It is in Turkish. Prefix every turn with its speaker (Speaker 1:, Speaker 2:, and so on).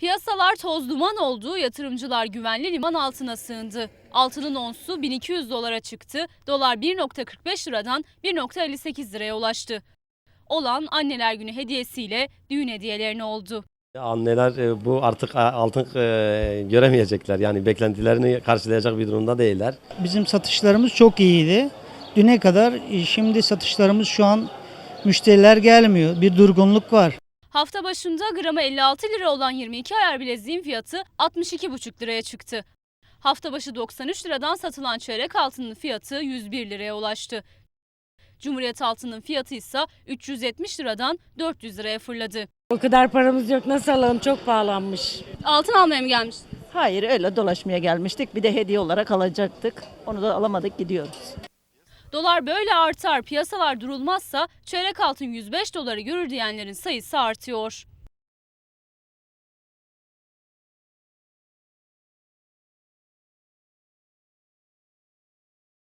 Speaker 1: Piyasalar toz duman oldu, yatırımcılar güvenli liman altına sığındı. Altının onsu 1200 dolara çıktı, dolar 1,45 liradan 1,58 liraya ulaştı. Olan Anneler Günü hediyesiyle düğün hediyelerine oldu.
Speaker 2: Anneler bu artık altın göremeyecekler. Yani beklentilerini karşılayacak bir durumda değiller.
Speaker 3: Bizim satışlarımız çok iyiydi. Düne kadar şimdi satışlarımız şu an müşteriler gelmiyor. Bir durgunluk var.
Speaker 1: Hafta başında gramı 56 lira olan 22 ayar bileziğin fiyatı 62,5 liraya çıktı. Hafta başı 93 liradan satılan çeyrek altının fiyatı 101 liraya ulaştı. Cumhuriyet altının fiyatı ise 370 liradan 400 liraya fırladı.
Speaker 4: O kadar paramız yok, nasıl alalım, çok pahalanmış.
Speaker 1: Altın almaya mı gelmiş?
Speaker 5: Hayır, öyle dolaşmaya gelmiştik. Bir de hediye olarak alacaktık. Onu da alamadık, gidiyoruz.
Speaker 1: Dolar böyle artar, piyasalar durulmazsa çeyrek altın 105 doları görür diyenlerin sayısı artıyor.